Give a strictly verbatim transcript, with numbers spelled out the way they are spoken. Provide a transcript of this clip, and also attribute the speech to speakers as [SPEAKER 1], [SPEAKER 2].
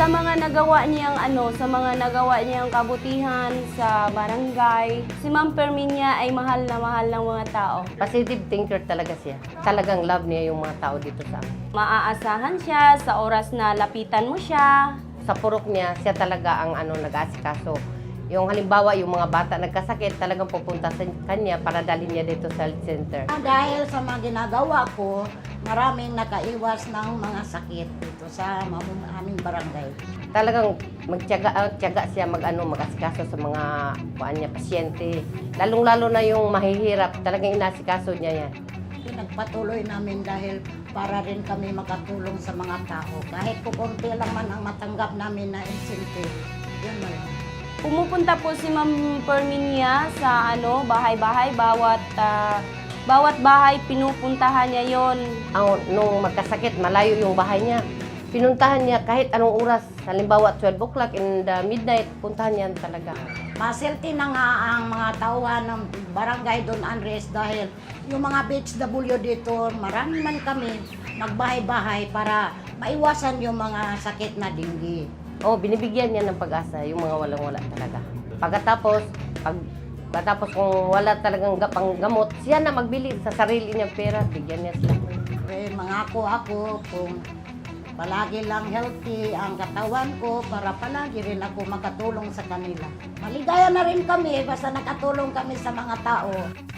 [SPEAKER 1] Sa mga nagawa niyang ano, sa mga nagawa niyang kabutihan sa barangay, si Ma'am Perminia ay mahal na mahal ng mga tao.
[SPEAKER 2] Positive thinker talaga siya. Talagang love niya yung mga tao dito sa amin.
[SPEAKER 1] Maaasahan siya sa oras na lapitan mo siya.
[SPEAKER 2] Sa purok niya, siya talaga ang ano, nag-aasikaso. Yung halimbawa, yung mga bata nagkasakit, talagang pupunta sa kanya para dalhin niya dito sa health center.
[SPEAKER 3] Ah, Dahil sa mga ginagawa ko, maraming nakaiwas ng mga sakit dito sa mam- aming barangay.
[SPEAKER 2] Talagang magtiyaga, ah, tiyaga siya mag-ano, mag-asikaso sa mga kuan niya, pasyente. Lalong-lalo na yung mahihirap, talagang inasikaso niya yan.
[SPEAKER 3] Pinagpatuloy namin dahil para rin kami makatulong sa mga tao. Kahit kukunti lang man ang matanggap namin na incentive, yun na lang.
[SPEAKER 1] Pumupunta po si Ma'am Perminia sa ano, bahay-bahay, bawat ah, bawat bahay pinupuntahan niya yon.
[SPEAKER 2] Ang, nung magkasakit, malayo yung bahay niya. Pinuntahan niya kahit anong oras, halimbawa twelve o'clock in the midnight, puntahan niya talaga.
[SPEAKER 3] Masilti na nga ang mga tauhan ng barangay Don Andres dahil yung mga B H W dito, marami man kami magbahay-bahay para maiwasan yung mga sakit na dinggi.
[SPEAKER 2] Oh, binibigyan niya ng pag-asa yung mga walang-wala talaga. Pagkatapos, pag pagkatapos kung wala talagang ga- panggamot, siya na magbili sa sarili niya pera, bigyan niya sila.
[SPEAKER 3] Eh, mangako ako kung palagi lang healthy ang katawan ko para palagi rin ako makatulong sa kanila. Maligaya na rin kami basta nakatulong kami sa mga tao.